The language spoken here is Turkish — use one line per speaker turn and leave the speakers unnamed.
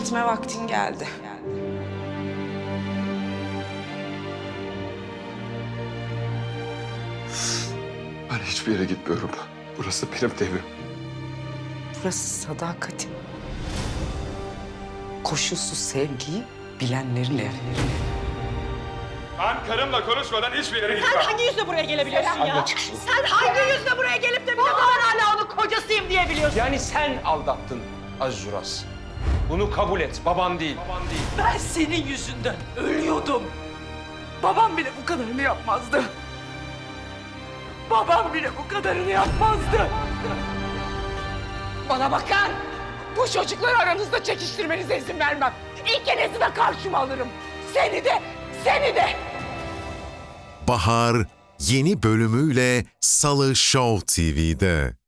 Gitme vaktin geldi.
Ben hiçbir yere gitmiyorum. Burası benim evim.
Burası sadakatin, koşulsuz sevgiyi bilenlerin evi.
Ben karımla konuşmadan hiçbir yere gitmem.
Sen hangi yüzle buraya gelebiliyorsun ya? Sen hangi yüzle buraya gelip de bir de ben hala onun kocasıyım diyebiliyorsun?
Yani sen aldattın Aziz Uras. Bunu kabul et. Baban değil.
Ben senin yüzünden ölüyordum. Babam bile bu kadarını yapmazdı. Babam bile bu kadarını yapmazdı. Bana bakın. Bu çocukları aranızda çekiştirmenize izin vermem. İkinizi de karşıma alırım. Seni de, seni de.
Bahar yeni bölümüyle Salı Show TV'de.